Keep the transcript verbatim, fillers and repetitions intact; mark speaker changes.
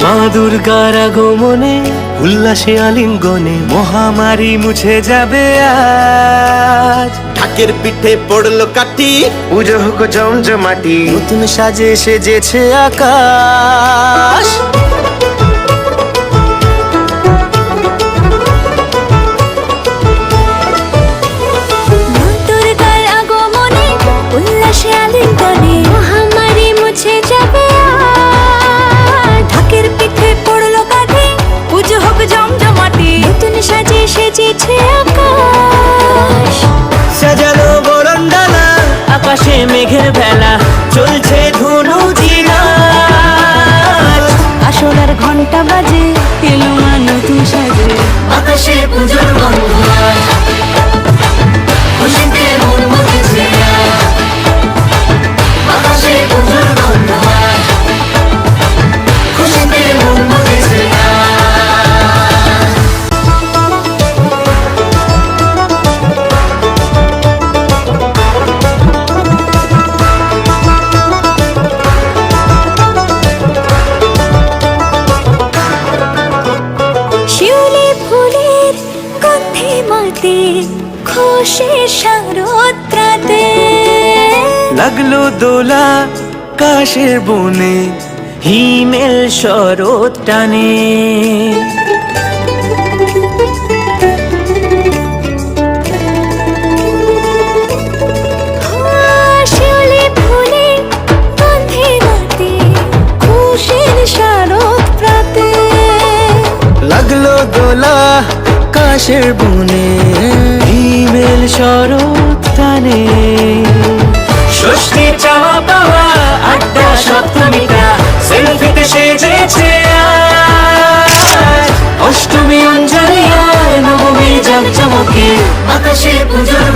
Speaker 1: মা দুর্গার আগমনে উল্লাসে আলিঙ্গনে মহামারী মুছে যাবে আজ।
Speaker 2: ঢাকের পিঠে পড়লো কাঠি,
Speaker 1: পুজো হোক জমজমাটি, নতুন সাজে সেজেছে আকাশ।
Speaker 3: উল্লাসে আলিঙ্গনে মহামারী মুছে যাবে আজ। ঢাকের পিঠে পড়লো কাঠি, পুজো হোক জমজমাটি, নতুন সাজে সেজেছে আকাশ।
Speaker 1: সাজানো বরণডালা, আকাশে মেঘের ভেলা, চলছে ধুনু জিনাজ।
Speaker 3: আসলার ঘন্টা বাজে, এলো মা নতুন সাজে,
Speaker 1: আকাশে পুজোর গন্ধ আজ, খুশিতে মন মতেছে আজ। আকাশে পুজোর গন্ধ আজ, খুশিতে মন মতেছে আজ।
Speaker 3: শিউলি ফুলের গন্ধে মাতে, খুশির শারদরাতে।
Speaker 1: লাগলো দোলা কাশের বনে, হিমেল শরৎ টানে।
Speaker 3: শিউলি ফুলের গন্ধে মাতে, খুশির শারদরাতে।
Speaker 1: লাগলো দোলা কাশের বনে, হিমেল শরৎ টানে। ষষ্ঠী চাওয়া পাওয়া আড্ডা সপ্তমীটা, সেলফিতে সেজেছে আজ। অষ্টমী অঞ্জলি আর নবমী জাঁকজমকে, আকাশে পুজোর